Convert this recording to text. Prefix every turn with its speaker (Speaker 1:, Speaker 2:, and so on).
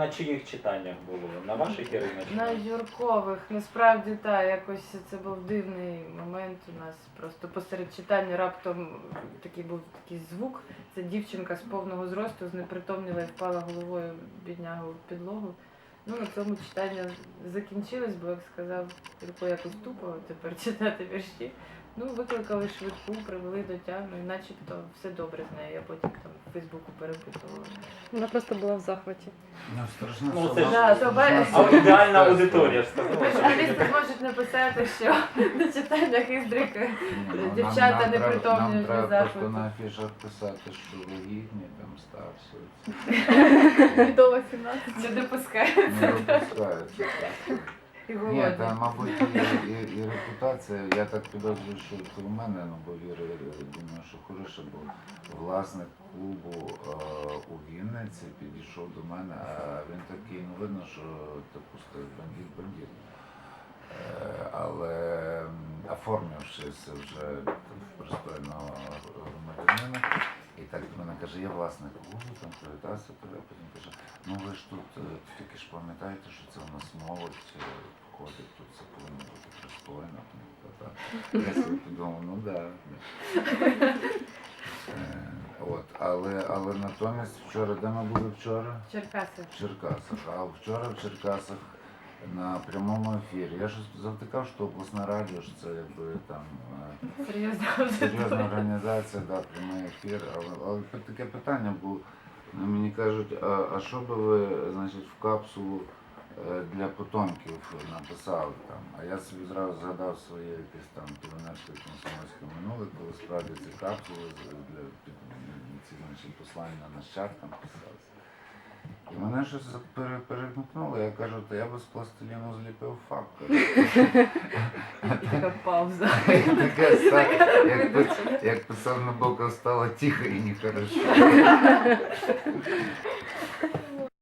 Speaker 1: на чиїх читаннях було? На ваших, Ірина? чи
Speaker 2: На Юркових. Насправді так, якось це був дивний момент у нас. Просто посеред читання раптом був такий звук. Це дівчинка з повного зросту знепритомніла і впала головою біднягу в підлогу. Ну, на цьому читання закінчилось, бо, як сказав Юрко, якось тупо тепер читати вірші. Ну, викликали швидку, привели до тями, і начебто все добре з нею. Я потім там в Фейсбуку перепитувала.
Speaker 3: Вона просто була в захваті.
Speaker 4: Ну, страшно,
Speaker 1: Ну,
Speaker 4: що
Speaker 1: це ж-
Speaker 2: Да, то
Speaker 1: Аудіальна аудиторія ж сказала.
Speaker 2: журналісти можуть написати, що на читаннях Іздрика дівчата непритомні
Speaker 4: Нам
Speaker 2: в
Speaker 4: треба
Speaker 2: захваті.
Speaker 4: просто на афішах писати, що вагітні, там старші.
Speaker 3: Відомо 17.
Speaker 2: Не допускають
Speaker 4: Не випускаються.
Speaker 2: і
Speaker 4: Ні,
Speaker 2: голодні.
Speaker 4: та, мабуть, і репутація, я так підозрюю, що це у мене, ну, бо Віра, думаю, що хороше, бо власник клубу у Вінниці підійшов до мене, а він такий, ну, видно, що допустив бандит. Але оформившись вже в пристойного громадянина, і так до мене каже, я власник клубу, там привітався, а потім каже, ну ви ж тут тільки ж пам'ятаєте, що це у нас молодь входить, тут це повинно бути пристойно. Я собі подумав, ну так. От, але натомість вчора, де ми були вчора?
Speaker 2: Черкаси.
Speaker 4: В Черкасах. А вчора в Черкасах на прямому ефірі. Я ж завтикав, що обласне радіо, що це якби там серйозна організація, да, прямий ефір. Але таке питання було, мені кажуть, а що би ви, значить, в капсулу для потомків написали там? А я собі зразу згадав своє якесь там піонерське комсомольське минуле, коли справді ці капсули для ці, значить, послання нащадкам писалися. І мене щось перемкнуло, я кажу, то я би з пластиліну зліпив факт.
Speaker 2: Така пауза.
Speaker 4: Як писав Набоков, стало тихо і нехорошо.